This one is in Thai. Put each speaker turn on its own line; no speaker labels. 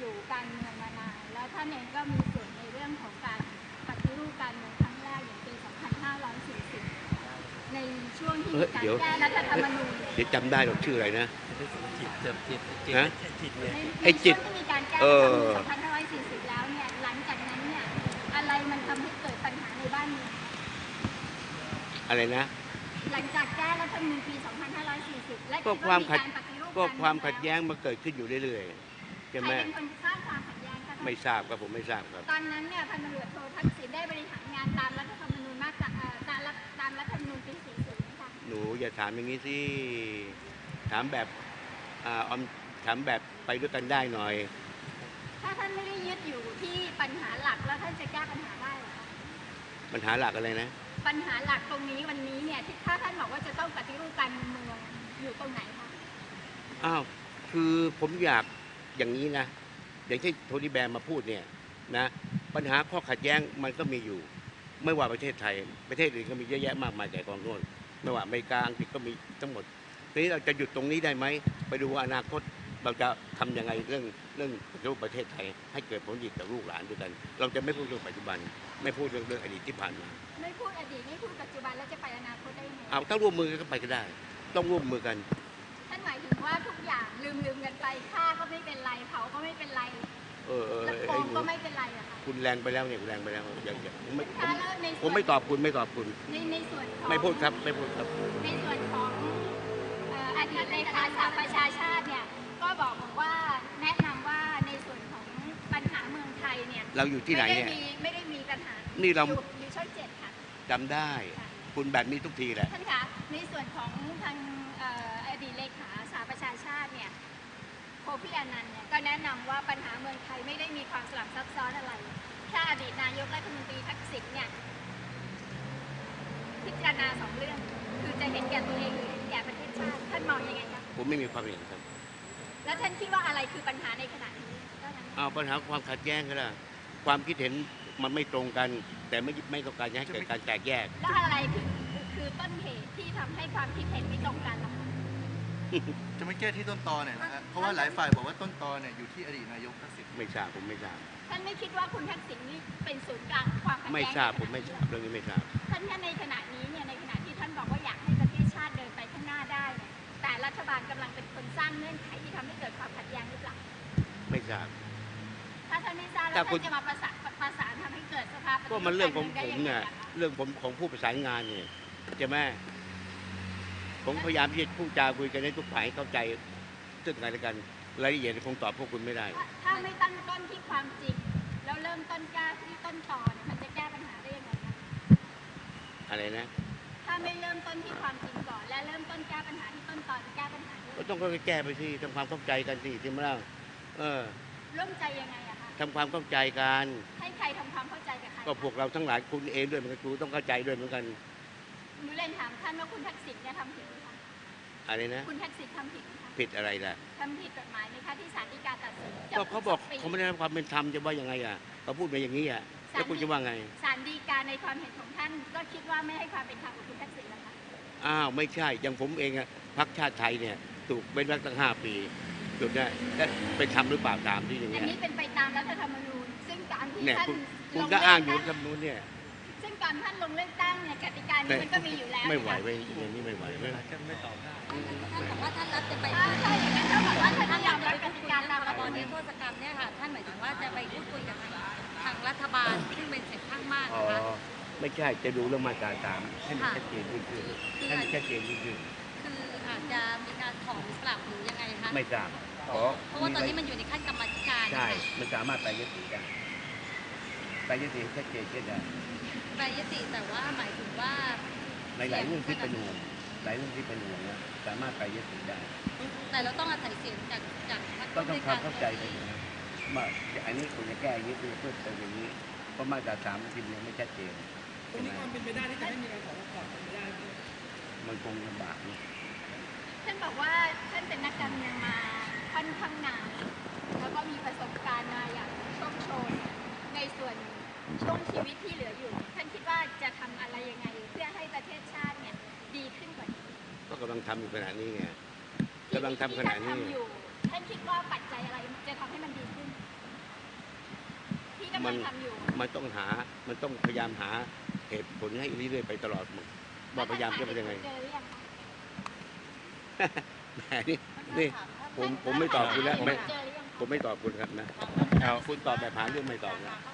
สู่การเมืองมานานแล้วท่านเองก็มีส่วนในเรื่องของการปฏิรูปการเมืองครั้งแรกอย่างปี 2540 ในช่วงที่มีการแก้รัฐธรรมนูญ
เดี๋ยวจำได้หรอกชื่ออะไรนะฮะ
ใน
ไอ้จิต
ช่วงที่มีการแก้รัฐธรรมนูญ 2540 แล้วเนี่ยหลังจากนั้นเนี่ยอะไรมันทำให้เกิดปัญหาในบ้านเมือง
อะไรนะ
หลังจากแก้รัฐธรรมนูญปี 2540 และ
ก็ความขัดแย้งมาเกิดขึ้นอยู่เรื่อยๆใช่ไหม
ใครเป็นคนสร้างความขัดแย้งคะ
ไม่ทราบครับผมไม่ทราบครับ
ตอนนั้นเนี่ยพันตำรวจโททักษิณได้บริหารงานตามรัฐธรรมนูญมาตราตามรัฐธรรมนูญปี 40 นะคะ
หนูอย่าถามอย่างนี้สิถามแบบถามแบบไปด้วยกันได้หน่อย
ถ้าท่านไม่ได้ยึดอยู่ที่ปัญหาหลักแล้วท่านจะแก้ปัญหาได้หรอคะ
ปัญหาหลักอะไรนะ
ปัญหาหลักตรงนี้วันนี้เนี่ยถ้าท่านบอกว่าจะต้องปฏิรูปการเมืองอยู่ตรงไหนคะ
อ้าวคือผมอยากอย่างนี้นะอย่างที่โทนี่แบร์มาพูดเนี่ยนะปัญหาข้อขัดแย้งมันก็มีอยู่ไม่ว่าประเทศไทยประเทศอื่นก็มีเยอะแยะมากมายแต่กองโน่นไม่ว่าอเมริกาอังกฤษก็มีทั้งหมดทีนี้เราจะหยุดตรงนี้ได้ไหมไปดูอนาคตเราจะทำยังไงเรื่องปฏิรูปประเทศไทยให้เกิดผลดีต่อลูกหลานด้วยกันเราจะไม่พูดเรื่องปัจจุบันไม่พูดเรื่องอดีตที่ผ่านมา
ไม่พูดอดีตไม่พูดปัจจุบันแล้วจะไปอนาคตได้ไง
เอาถ้าร่วมมือกันก็ไปก็ได้ต้องร่วมมือกัน
ท่านหมายถึงว่าทุกอย่างลืมกันไปฆ่าก็ไม่เป็นไรเผาก็ไม่เป็นไรแล้วโกงก็ไม่เป็นไรอะค่ะ
คุณแรงไปแล้วเนี่ยคุณแรงไปแล้วอย่าผมไม่ตอบคุณ
ในส่วนของ
ไม่พูดครับไม่พูดครับ
ในส่วนของอดีตเลขาสหประชาชาติเนี่ยก็บอกว่าแนะนำว่าในส่วนของปัญหาเมืองไทยเนี่ย
เราอยู่ที่ไหนเนี่ย
ไม่ได้มีปัญหา
นี่เรา
อยู่ช่อง7ค่ะ
จำได้คุณแบบนี้ทุกทีแหละ
ท่านคะในส่วนของทางอดีตเลขาสหประชาชาติเนี่ยโคฟี่อานันต์เนี่ยก็แนะนำว่าปัญหาเมืองไทยไม่ได้มีความสลับซับซ้อนอะไรแค่อดีตนายกรัฐมนตรีทักษิณเนี่ยพิจารณา2 เรื่องคือจะเห็นแก่ตัวเองหรือเห็นแก่ประเทศชาติท่านมองยังไงครับ
ผมไม่มีความเห็นครับ
แล้วท่านคิดว่าอะไรคือปัญหาในขณะนี้
ปัญหาความขัดแย้งก็ได้ความคิดเห็นมันไม่ตรงกันแต่ไม่ต้องการจะให้เกิดการแตกแยก
แล้วอะไรคือต้นเหตุที่ทำให้ความคิดเห็นไม่ตรงกันล่ะคะ
จะไม่แก้ที่ต้นตอเนี่ยนะฮะเพราะว่าหลายฝ่ายบอกว่าต้นตอเนี่ยอยู่ที่อดีตนายกทักษิณ
ไม่ทราบผมไม่ทราบ
ท่านไม่คิดว่าคุณทักษิณนี่เป็นศูนย์กลางความขัดแย้ง
ไม่ทราบผมไม่ทราบเรื่องนี้ไม่ทราบ
ท่านในขณะนี้เนี่ยในขณะที่ท่านบอกว่าอยากให้ประเทศชาติเดินไปข้างหน้าได้เนี่ยแต่รัฐบาลกำลังเป็นคนสร้างเงื่อนไขที่ทำให้เกิดความขัดแย้งหรือเปล่า
ไม่ทราบ
ถ้าท่านไม่ทราบแล้วท่านจะมาประสานทำให้เกิดสภาพ
ก็มันเรื่องของผมเนี่ยเรื่องผมของผู้ประสานงานเนี่ยใช่ไหมผมพยายามที่จะพูดจาคุยกันให้ทุกฝ่ายเข้าใจซึ่งกันและกันรายละเอียดคงตอบพวกคุณไม่ได้
ถ้าไม่ตั้งต้นที่ความจริงแล้วเริ่มต้นแก้ที่ต้นตอเนี่ยมันจะแก้ปัญหาได้ยังไงคะ
อะไรนะ
ถ้าไม่เริ่มต้นที่ความจริงก่อนและเริ่มต้นแก้ปัญหาที่ต้นตอจะแก้ปัญหา
ก็ต้องค่อยๆแก้ไปสิทำความเข้าใจกันสิที่มาเล่า
ร่วมใจยังไงอะคะ
ทำความเข้าใจกัน
ให้ใครทำความเข้าใจกับใคร
ก็พวกเราทั้งหลายคุณเองด้วยเหมือนกันครูต้องเข้าใจด้วยเหมือนกัน
หนูเรียนถามท่านว่าคุณทักษิณเนี่ยทำผิดไหมคะ
อะไรนะ
คุณทักษิณทำผิดไหมคะ
ผิดอะไรล่ะ
ทำผิดกฎหมายไหมคะที่ศาลฎีกาตัดสิน
ก็เขาบอกเขาไม่ได้รับความเป็นธรรมจะว่ายังไงอ่ะเขาพูดมาอย่างนี้อ่ะแล้วคุณจะว่าไง
ศาลฎีกาในความเห็นของท่านก็คิดว่าไม่ให้ความเป็นธรรมกับคุณทักษิณแล้วคะ
ไม่ใช่อย่างผมเองอ่ะพรรคชาติไทยเนี่ยถูกเป็นวรรคตั้ง5 ปีถูกได้เป็นธรรมหรือเปล่าตามที่อย่างเงี้ย
อันนี้เป็นไปตามรัฐธรรมนูญซึ่งการที่ท่าน
คุณก็อ้างอยู่รัฐธรรมนูญเนี่ย
ซึ่งการท่านลงเลือกตั้งเนี่ยกติกานี้มันก็มีอยู่แล้ว
ไม่ไหวไปอย่างนี้ไม่ไหวไม่
ตอบได้
ท่านบอกว่าท่านรับจะไป
ใช่อย่างนั้นท่านบอกว่าท่านยอมรับกติกาตาม
ระบอบนิรโทษกรรมเนี่ยค่ะท่านหมายถึงว่าจะไปพูดคุยกับทางรัฐบาลซึ่งเป็นเสียงข้างมากนะคะ
ไม่ใช่จะดูเรื่องมาตรา3ให้มันชัดเจนยิ่งขึ้นให้มันชัดเจนยิ่งขึ้น
คืออาจจะมีการถอนปรับหรือยังไงคะ
ไม่ทราบ
เพราะว่าตอนนี้มันอยู่ในขั้นกรรมธิการ
ใช่มันสามารถไปยติได้ไปยติชัดเจนขึ้นได้
ไปยติแต่ว่าหมายถึงว่า
หลายเรื่องที่เป็นห่วงหลายเรื่องที่เป็นห่วงนะสามารถไปยติได้
แต่เราต้องอาศัยเสียงจาก
ต้องทำความเข้าใจกันนะว่าอันนี้คุณจะแก้อย่างนี้เพื่อเติมอย่างนี้เพราะมาตรา3ทียังไม่ชัดเจน
ตรงนี้ความเป็นไปได้ที่จะให้มีการถอนก่อนเป็นไปได้
มันคงลำบากนะ
ท่านบอกว่าท่านเป็นนักการเมืองมาค่อนข้างนานแล้วก็มีประสบการณ์มาอย่างโชคโชนในส่วนช่วงชีวิตที่เหลืออยู่ท่านคิดว่าจะทำอะไรยังไงเพื่อให้ประเทศชาติเนี่ยดีขึ้นกว่านี้
ก็กำลังทำอยู่ขณะนี้ไงกำลังทำขณะนี้
ท่านคิดว่าปัจจัยอะไรจะทำให้มันดีขึ้นกำลังทำอยู่
มันต้องพยายามหาเหตุผลให้เรื่อยๆไปตลอดว่าพยายามจะเป็นยังไง
เจอหรือยังคะ
แหมนี่ผมไม่ตอบคุณแล้ว
เจอหรือยังคะ
ผมไม่ตอบคุณครับนะ
เอา
คุณตอบแบบหาเรื่องไม่ตอบนะ